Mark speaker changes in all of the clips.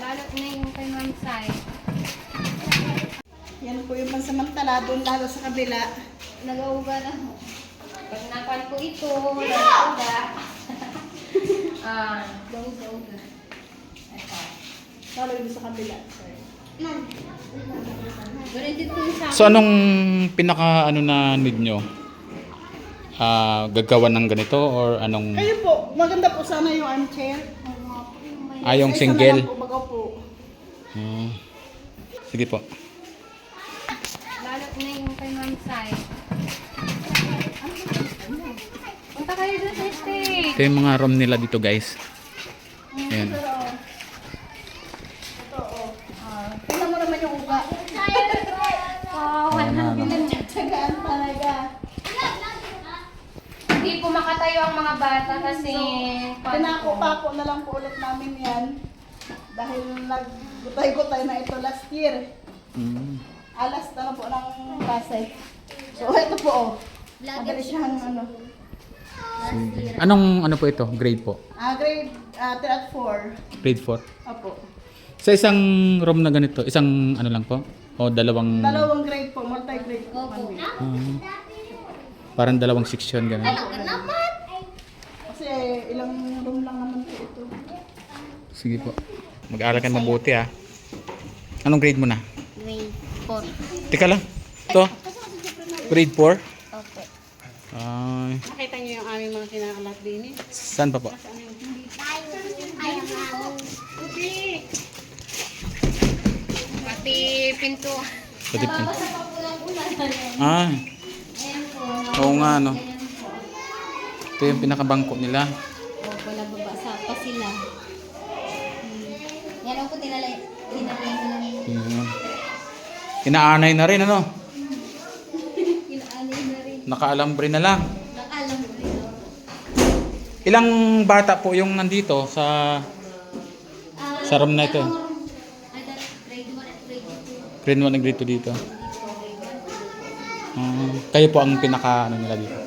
Speaker 1: Balot na yung kay Ma'am Sai.
Speaker 2: Yan po yung pansamantala, doon lalo sa kabila.
Speaker 1: Nag-auga na ho. Pag napan ko ito, nag-auga. Gauga-uga. Ito.
Speaker 2: Lalo yung sa kabila.
Speaker 1: Ganun din po yung sa
Speaker 3: So anong pinaka ano na need nyo? Gagawa ng ganito or anong
Speaker 2: Kayo po, maganda po sana yung armchair.
Speaker 3: yung
Speaker 2: Isa na
Speaker 3: single?
Speaker 2: lang po, baga po.
Speaker 3: Sige po.
Speaker 1: balot na yung kay Ma'am Sai. Punta kayo doon sa stage.
Speaker 3: Ito yung mga room nila dito guys. Ayan.
Speaker 2: Ito, oh. Tingnan mo naman yung uga. Pinagtsagaan talaga.
Speaker 1: Hindi po makatayo ang mga bata kasi
Speaker 2: Pinako-pako na lang po ulit namin yan. Dahil naggutay-gutay na ito last year. Alas na po ng klase. So ito po, oh. Madali siyang ano.
Speaker 3: Anong ano po ito? Grade po?
Speaker 2: Grade 3 at 4.
Speaker 3: Grade 4?
Speaker 2: Opo.
Speaker 3: Sa isang room na ganito, isang ano lang po? O dalawang...
Speaker 2: Dalawang grade po, multi-grade po.
Speaker 1: Opo.
Speaker 3: Parang dalawang section gano'n.
Speaker 2: Kasi ilang room lang naman po ito.
Speaker 3: Sige po. Mag-aaral ka mabuti ah. Anong grade mo na?
Speaker 1: Grade 4.
Speaker 3: Teka lang. Ito? Grade 4?
Speaker 1: Opo.
Speaker 3: Ay,
Speaker 2: Nakita niyo yung aming mga kinakalat din eh.
Speaker 3: saan pa po?
Speaker 1: Pati pinto.
Speaker 3: Pati po.
Speaker 1: Basta pa po lang ulan.
Speaker 3: Ah,
Speaker 1: Ayan po.
Speaker 3: oo nga no.
Speaker 1: Ayan po.
Speaker 3: Ito yung pinakabangko nila.
Speaker 1: Opo, nababasa pa sila. Yan ang po tinalay ko lang.
Speaker 3: Yun. Inaanay na rin ano?
Speaker 1: Inaalay na rin.
Speaker 3: Nakaalambre na lang.
Speaker 1: Nakalam mo rin.
Speaker 3: Ilang bata po yung nandito sa room na ito?
Speaker 1: Ay, grade 1 at grade 2.
Speaker 3: Grade 1 and grade 2 dito. Kayo po ang pinaka ano nila dito.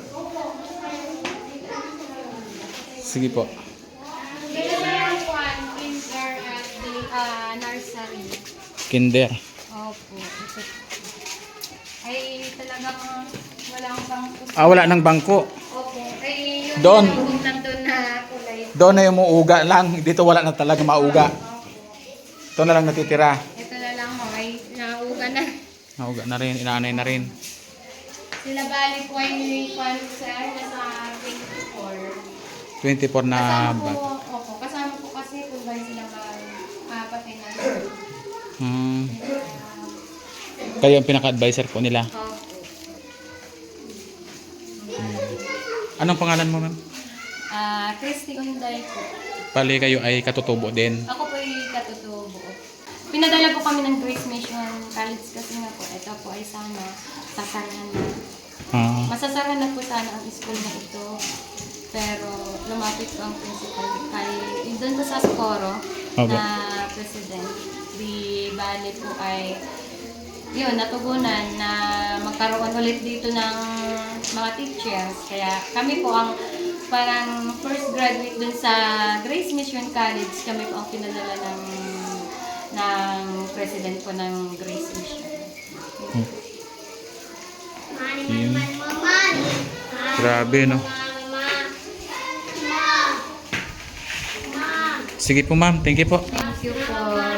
Speaker 3: Sige po.
Speaker 1: Dito na lang po ang kinder at the nursery.
Speaker 3: Kinder.
Speaker 1: Opo. Ito. Ay talagang walang bangko.
Speaker 3: Wala nang bangko.
Speaker 1: Opo. Ay yun
Speaker 3: Doon.
Speaker 1: yung nandun na kulay.
Speaker 3: Doon na yung muuga lang. Dito wala na talaga mauga. Ito na lang natitira.
Speaker 1: Ito na lang ho. Ay nauga na.
Speaker 3: Nauga na rin. Inaanay na rin.
Speaker 1: Sila bali po ay nasa 24.
Speaker 3: 24 na
Speaker 1: Kasama po,
Speaker 3: bata.
Speaker 1: opo, kasama po kasi kung ba sila pati na.
Speaker 3: Kayo ang pinaka-advisor po nila.
Speaker 1: Opo.
Speaker 3: Anong pangalan mo, ma'am?
Speaker 1: Christy Unday po.
Speaker 3: Pali kayo ay katutubo din.
Speaker 1: Ako po ay katutubo. Pinadala po kami ng Grace Mission College kasi nga po, ito po ay sana sasarahan na. Masasara na po sana ang school na ito. Pero lumapit po ang principal kay doon po sa Socorro
Speaker 3: Okay.
Speaker 1: na president. Di bali po ay yun, natugunan na magkaroon ulit dito ng mga teachers. Kaya kami po ang parang first graduate dun sa Grace Mission College. Kami po ang pinadala ng president po ng Grace Mission.
Speaker 3: Yun. Grabe, no? Sige po, ma'am. Thank you po.
Speaker 1: Thank you po.